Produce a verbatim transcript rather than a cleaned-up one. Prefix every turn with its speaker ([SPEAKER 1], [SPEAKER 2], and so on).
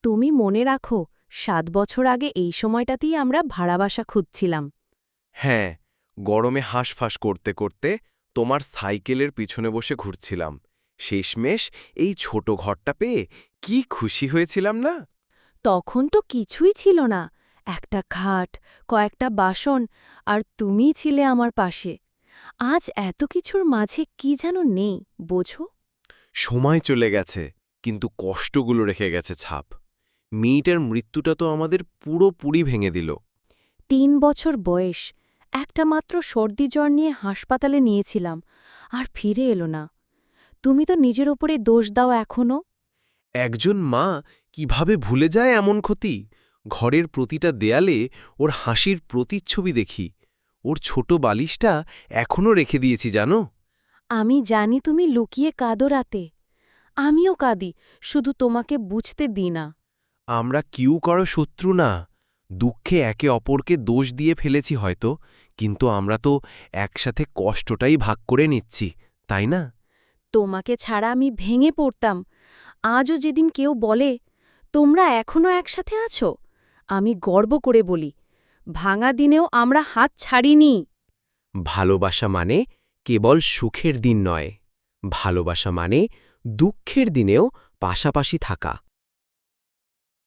[SPEAKER 1] তুমি মনে রাখো, সাত বছর আগে এই সময়টাতেই আমরা ভাড়া বাসা খুঁজছিলাম।
[SPEAKER 2] হ্যাঁ, গরমে হাঁসফাঁস করতে করতে তোমার সাইকেলের পিছনে বসে ঘুরছিলাম। শেষমেশ এই ছোট ঘরটা পেয়ে কি খুশি হয়েছিলাম না?
[SPEAKER 1] তখন তো কিছুই ছিল না, একটা খাট, কয়েকটা বাসন, আর তুমিই ছিলে আমার পাশে। আজ এত কিছুর মাঝে কি যেন নেই, বোঝো?
[SPEAKER 2] সময় চলে গেছে, কিন্তু কষ্টগুলো রেখে গেছে ছাপ। মেয়েটার মৃত্যুটা তো আমাদের পুরোপুরি ভেঙে দিল।
[SPEAKER 1] তিন বছর বয়স, একটা মাত্র সর্দি জ্বর নিয়ে হাসপাতালে নিয়েছিলাম, আর ফিরে এলো না। তুমি তো নিজের ওপরে দোষ দাও এখনও।
[SPEAKER 2] একজন মা কিভাবে ভুলে যায় এমন ক্ষতি? ঘরের প্রতিটা দেয়ালে ওর হাসির প্রতিচ্ছবি দেখি। ওর ছোট বালিশটা এখনও রেখে দিয়েছি জানো?
[SPEAKER 1] আমি জানি তুমি লুকিয়ে কাঁদো রাতে। আমিও কাঁদি, শুধু তোমাকে বুঝতে দিই না।
[SPEAKER 2] আমরা কিউ কারো শত্রু না। দুঃখে একে অপরকে দোষ দিয়ে ফেলেছি হয়তো, কিন্তু আমরা তো একসাথে কষ্টটাই ভাগ করে নিচ্ছি, তাই না?
[SPEAKER 1] তোমাকে ছাড়া আমি ভেঙে পড়তাম। আজও যেদিন কেউ বলে, তোমরা এখনও একসাথে আছো, আমি গর্ব করে বলি, ভাঙা দিনেও আমরা হাত ছাড়িনি।
[SPEAKER 2] ভালোবাসা মানে কেবল সুখের দিন নয়, ভালোবাসা মানে দুঃখের দিনেও পাশাপাশি থাকা।